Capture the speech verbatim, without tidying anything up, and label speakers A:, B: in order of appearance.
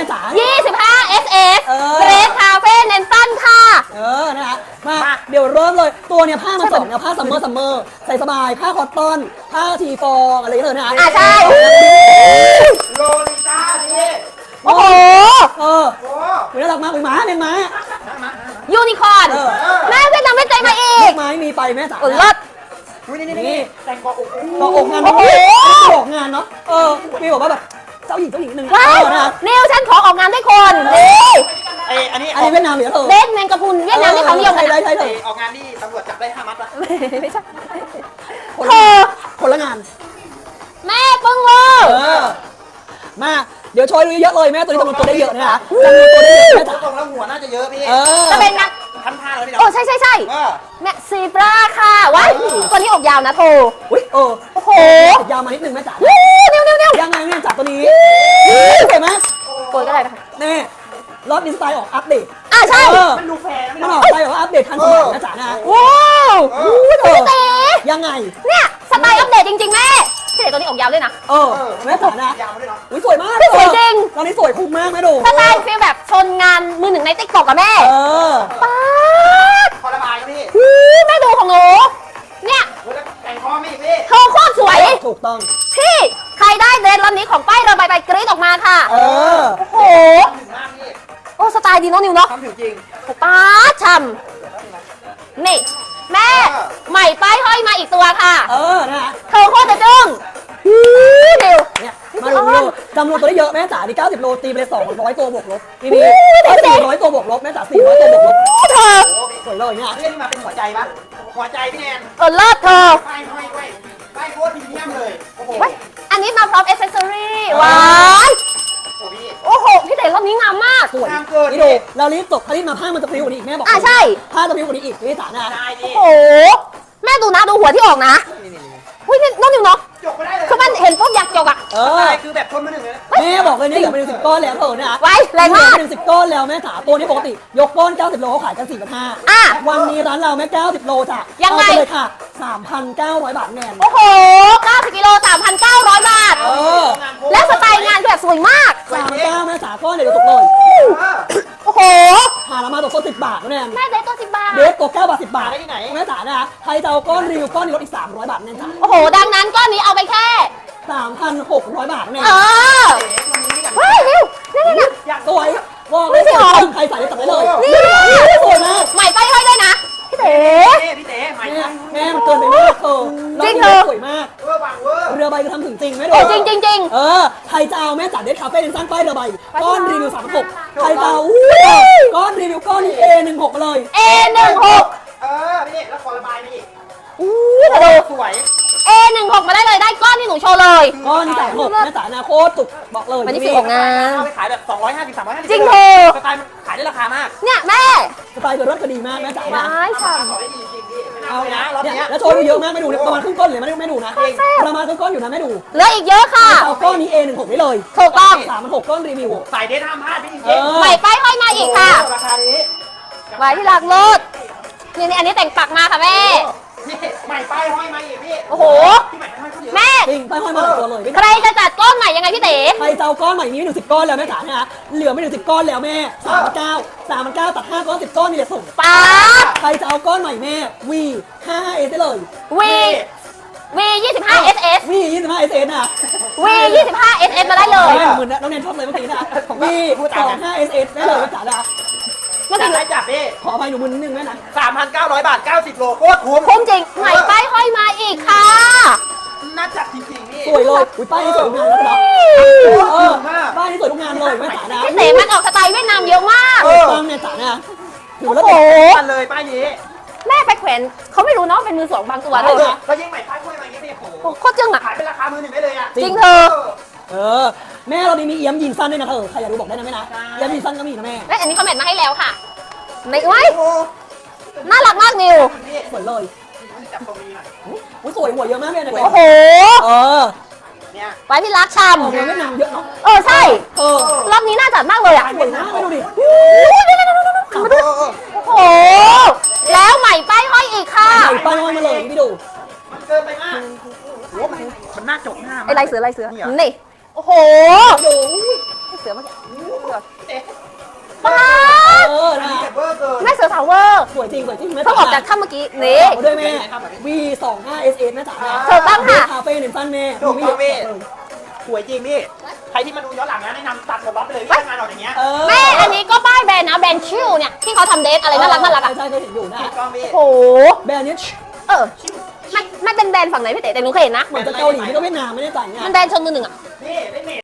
A: จ๋า
B: ยี่สิบห้า เอส เอส
A: เออ
B: เกรดคาเฟ่เนนตันค่ะ
A: เออนะคะมาเดี๋ยวเริ่มเลยตัวเนี่ยผ้ามันสองนะผ้าซัมเมอร์ซัมเมอร์ใส่สบายผ้าคอตตอนผ้าทีฟองอะไรอย่างเงี้ยเลยนะคะ
B: อ่ะใช่
C: โลลิต้าดิ
B: โอ้โห
A: เออ
C: โอ้
A: น่ารักมากเป็นม้าเป็นม้า
B: ยูนิคอร์น
A: เออ
B: แม่เวียดนามเวียดใจมาอี
A: ลู
B: ก
A: กไม้มีไปแม่จ๋า
B: เออเลิศ
C: อุ๊ยนี่นี่นี่แต่งกออก
A: ต่ออกงาน
B: โอ้โห
A: ต่ออกงานเนาะเออมีบอกว่าแบบเจ้าหญิงเจ้าหญิงหนึ่ง
B: ว้า
A: เอ
B: ว
A: อนะคะ
B: นิวฉันขอออกงานด้วยคนนี่
C: ไออันนี้
A: อันนี้เวียดนามเหรอเธอ
B: เบนแมงกะพรุนเวียดนามที่เขานิยมกัน
A: ใช่
B: อะ
A: ใช่ใช่
C: ออกงานนี่ตำรวจจับได้ห้ามัดละ
B: ไม่ใช่
A: คน
B: เธ
A: ละ
B: อ
A: คนละงาน
B: แม่ปึ้งเวอร์
A: เออมาเดี๋ยวโชยดูเยอะเลยแม่ตัวนี้จำนวนตัวได้เยอะนะคะจำนวนตัวได้เยอะแม่จ๋า
C: ตรงแล้วหัวน่าจะเยอะพี่
A: เออ
B: จะเป็นงาน
C: ทันท่าเลยพี่
B: โอ้
C: เนาะ
B: ใช่ใช่ใช่
C: เออ
B: แม่ซีบราค่ะว้ายตัวนี้อกยาวนะโท
A: อุ้ยเออ
B: โอ้โห
A: ติดยาวมานิดนึงแม่จ๋า
B: วู้นิวนิวนิว
A: ยังไงเนี่ยจ๋าตัวนี้เห็นไหม
B: โกยก็ได้นะคะ
A: แน่รอบนี้สไตล์ออกอัปเดต
B: อ่ะใช่
A: เออ
C: มันดูแฟร์
A: มันออกสไตล์แบบว่าอัปเดตทันสมัยนะจ๋านะ
B: ว้าว
A: เออ
B: พี่เต๋
A: ยังไง
B: เนี่ยสไตล์อัปเดตจริงๆแม่พี่เต๋ตัวนี้อกยาวด้วยนะ
A: เออแม่จ๋านะ
C: ยาวมาด้วยเนาะ
A: อุ้ยสวยมาก
B: สวยจริง
A: ตอนนี้สวยคุ้มมากแม่ดู
B: สไตล์ฟีลแบบชนงานมือหนึ่งในติ๊กต็อกกับแม่
A: เออ
B: ป๊าด
C: พอระบายครับพี่
B: หูแม่ดูของหนูเนี่ย
C: แล้วแต่งคอไม่พี่
B: เธอโคตรสวย
A: ถูกต้อง
B: พี่ใครได้เดรสลำนี้ของป้ายเรือใบใบกรี๊ดออกมาค่ะ
A: เออ
B: โอ้โห
C: ถึงมากพี่
B: โอ้สไตล์ดีเน้องนิวเนาะ
C: ทำถึงจริง
B: ป้าดช่ำนี่ แม่ใหม่ป้ายห้อยมาอีกตัวค่ะ
A: เออนะ
B: เธอโคตรจะจึ้งหูนิว
A: เนี่ยมาดูดูจำนวนตัวได้เยอะแม่จ๋านี่เก้าสิบโลตีไปเลยสองร้อยตัวบวกลบนี่นี่สี่ร้อยตัวบวกลบแม่จ๋าสี่ร้อยตัวบวกลบ
B: เธอ
C: โอ้พี่
A: สวยเลยเนี่ย
C: เรื่องนี้มาเป็นหัวใจปะหัวใจพี่แนน
B: เออเลิศเธอ
C: ไปห้อยไว้ไปโคตรพรีเมียมเลยโอ้โห
B: เว้ยอันนี้มาพร้อมเอเซสซอรี่ว้าย
C: โอ้พี่
B: โอ้โห พี่เต๋รอบนี้งามมาก
A: สวย
C: งามเกิน
A: นี่ดูเรารีบจบถ้ารีบมาผ้ามันจะพริ้วกว่านี้อีกแม่บอก
B: อ่ะใช่
A: ผ้าจะพริ้วกว่านี้อีกนี่จ๋านะ
C: ได้ดิ
B: โอ้โห แม่ดูนะดูหัวที่ออกนะ
C: นี่นี่นี่
B: อุ้ยนี่น้องนิวเนาะ
C: จบไปได้เลย
B: คือมันเห็นปุ๊บอยากจกอ่ะ
A: เอ
C: ใช่
A: อ
C: คือแบบชนมาหนึ่งเลยนะ
A: แม่บอกเลยเนี่ยเหลือไปหนึ่งสิบก้อนแล้วเถอะนะ
B: ไว้แรงมาก
A: เหลือไปหนึ่งสิบก้อนแล้วแม่จ๋าตัวนี้ปกติยกก้อนเก้าสิบโลเขาขายกันสี่พันห้า
B: อ่ะ
A: วันนี้ร้านเราแม่เก้าสิบโลจ้ะ
B: ยังไง
A: เอาปเลยค่ะสามพันเก้าร้อยบาทแนน
B: โอ้โหเก้าสิบกิโลสามพันเก้าร้อยบาท
A: เออ
B: และสไตล์งานคือแบบสวยมาก
A: สามพันเก้าแม่จ๋าก้อนเดี๋ยวตกเลย
B: โอ้โห
A: หาละมาตกก้อนสิบบาทแล้วแนน
B: แม่ได้ตัวสิบบาท
A: เดฟตัวเก้าบาทสิบบาทแม่จ๋านะใครจะเอาก้อนรีวิวก้อนนี้ลดอีกสามร้อยบาทแน่จ้ะ
B: โอ้โห ดังนั้นก้อนนี้เอาไปแค่
A: สามพันหกร้อยบาทแน่
B: เออเฮ้ยนิวนี่นี่นี่
C: อยาก
A: สวยบอกเลยสวยใครใส่ได้ตัดได้เลย
B: นี่
A: สวยมาก
B: ใหม่ไปให้ด้วยนะ พี่เต๋
C: เต้พี่เต้ใหม่
A: แม่แม่มันเกินไปมากเธอ
B: จริง
A: เธ
B: เธอ
A: สวยมาก
C: เวอร์บังเวอร์
A: เรือใบจะทำถึงจริงไหมดู
B: โอ้จริงจริงจริง
A: เออใครจะเอาแม่จ๋าเด็ดคาเฟ่เดินสร้างป้ายเรือใบก้อนรีวิวสามพันหก
C: ถูก
A: ใครจะเอา
C: ต้อง
A: อู้ก้อนรีวิวก้อนนี้เอหนึ่งหกมาเลย
B: เอหนึ่งหก
C: เออพี่แล้วขอระบายพี่
B: อู้แต่ดู
C: สวย
B: เอหนึ่งหกมาได้เลยได้ก้อนที่หนูโชว์เลย
A: ก้อนนี้สามหกแม่จ๋าอนาคตตุกบอกเลย
B: มันนี่คือของงาน
C: เอาไปขายแบบสองร้อยห้าสิบ สามร้อยห้าสิบ
B: จริงเธอ
C: สไตล์มันขายได้ราคามาก
B: เนี่ยแม่
A: สไตล์เธอรถก็ดีมากแม่จ๋านะ
B: ร้ายช่ำ
C: ขอได้ดีจริงพี่ไม่
A: เอา
C: เอาเลยนะรอบ
A: เนี่ย
C: เนี้ย
A: แล้วโชว์ดูเยอะมากไม่ดูนะประมาณครึ่งก้อนเลยไม่ดูไม่ดูนะ
B: แซ่บ
A: ประมาณครึ่งก้อนอยู่นะไม่ดู
B: เหลืออีกเยอะค่ะ
A: เอาก้อนนี้เอหนึ่งหกได้เลย
B: ถูกต้อง
A: สามพันหกก้อนรีวิว
C: สายเดทห้ามพลาดพี่จริง
A: เออ
B: ใหม่ป้ายห้อยมาอีกค่ะ
C: ราคานี้
B: ไว้ที่รักโลดนี่นี่อันนี้แต่งปักมาค่ะแม่
C: พี่ใหม่ป้ายห้อยมาอีกพี่
B: โอ้โห
C: พี่ใหม่ป้ายห้อยเขาเยอะ
B: แม่
A: จริงไปห้อยมาหลายตัวเลย
B: ใครจะจัดก้อนใหม่ยังไงพี่เต๋
A: ใครจะเอาก้อนใหม่นี้ไม่ถึงสิบก้อนแล้วแม่จ๋านะฮะเหลือไม่ถึงสิบก้อนแล้วแม่สามพันเก้าสามพันเก้าตัดห้าก้อนสิบก้อนนี่แหละส่ง
B: ป๊าด
A: ใครจะเอาก้อนใหม่แม่วีห้าเอสได้เลย
B: วีวียี่สิบห้าเอสเอส
A: วียี่สิบห้าเอสเอสนะ
B: วียี่สิบห้าเอสเอสมาได้เลย
A: แม่เหมือนน้องแนนชอบเลยเมื่อกี้นะวีสองห้าเอสเอสได้เลยแม่จ๋านะ
B: เมื่อ
C: จั
B: กี้
C: บได้จับพี่
A: ขออภัยหนูมือนิดนึงแม่นะ
C: สามพันเก้าร้อยบาทเก้าสิบโลโคตรคุ้ม
B: คุ้มจริงใหม่ป้ายห้อยมาอีกค่ะ
C: น่าจัดจริงๆพี่
A: สวยเลยอุ้ยป้ายนี้สวยทุกงานแล้วเนาะเออป้ายนี้สวยทุกงานเลยแม่จ๋านะ
B: พี่เต๋มันออกสไตล์เวียดนามเยอะมาก
A: ต้องแม่จ๋านะถือว่า
B: โอ้
A: แล้ว
B: โห
C: กันเลยป้ายนี้
B: แม่ไปแขวนเขาไม่รู้เนาะเป็นมือสองบางตัว
C: เอ
B: เลย
C: อแล้วยิ่งใหม่ป้ายห้อยมาอย่างนี้พี่โอ้โห
B: โอ้โคตรจึ้งอ่ะ
C: ขายเป็นราคามือหนึ่งได้เลยอ่ะ
B: จริงเธอ
A: เออแม่เราดีมีเอี้ยมยิงสั้นด้วยนะเธอใครอยากรู้บอกได้นะแม่นะเอี้ยมยิงสั้นก็มีนะแม่
B: และอันนี้คอมเมนต์มาให้แล้วค่ะไม่ไว้
C: โอ้
B: น่ารักมากนิว
C: พี่
A: สวยเลย
C: จับตรงนี้หน่อย
A: อุ้ยสวยหัวเยอะมากเลยนะ
B: โอ้โห
A: เออ
C: เนี่ย
B: ไว้พี่รักช
A: ออกมาเวียดนามเยอะเนาะ
B: ำเออใช่
A: เออ
B: รอบนี้น่าจัดมากเลยอ่ะ
A: สวยมากเลยดูดิ
B: โอ้ยเดี๋ยวๆๆๆๆมาดู โอ้โห แล้วใหม่ป้ายห้อยอีกค่ะ
A: ใส่ป้ายห้อยมาเลยพี่ดู
C: มันเกินไปมากโอ้มันมันน่าจบหน้า
B: ไอ้ลายเสือลายเสือ
C: นี่เหรอ
B: นี่ โอ้โห
A: ดู
B: เสือเมื่อกี้
A: โ
C: เอ๊ะ
B: ป้า
A: เออ
C: อัน
A: นะ
C: นี้เก็บเวอร์เกิน
B: แม่เสือสาวเวอร์
A: สวยจริงสวยจริง
B: เพิ่งออกจากถ้ำเมื่อกี้นี่
A: ด้วยแม่ วี สองห้า เอส เอส แม่จ๋า
B: ถูกต้องค่ะ
A: คาเฟ่เนมซันแม่
C: ถูกต้องพี่ สวยจริงพี่ ใครที่มาดูย้อนหลังนะแนะนำตัดหมดล็อตไปเลยพี่งานออกอย่างเงี้ย
A: เออ
B: แม่อันนี้ก็ป้ายแบรนด์นะแบรนด์ชิลเนี่ยที่เขาทำเดทอะไรน่ารักน่ารักอ่ะ
A: ใช่ใช่เคยเห็นอยู่นะ
C: ถูกต้องพี่
B: โอ้โห
A: แบรนด์นี้
B: เออไม่ไม่เป็นแบรนด์ฝั่งไหนพี่เต๋แต่หนูเคยเห็นนะ
A: เหมือนจะเกาหลีไม่ก็เวียดนามไม่ได้จ่ายงา
B: มัน นแบรนด์ชนมือหนึ่งอ่ะ
C: นี่ได้เม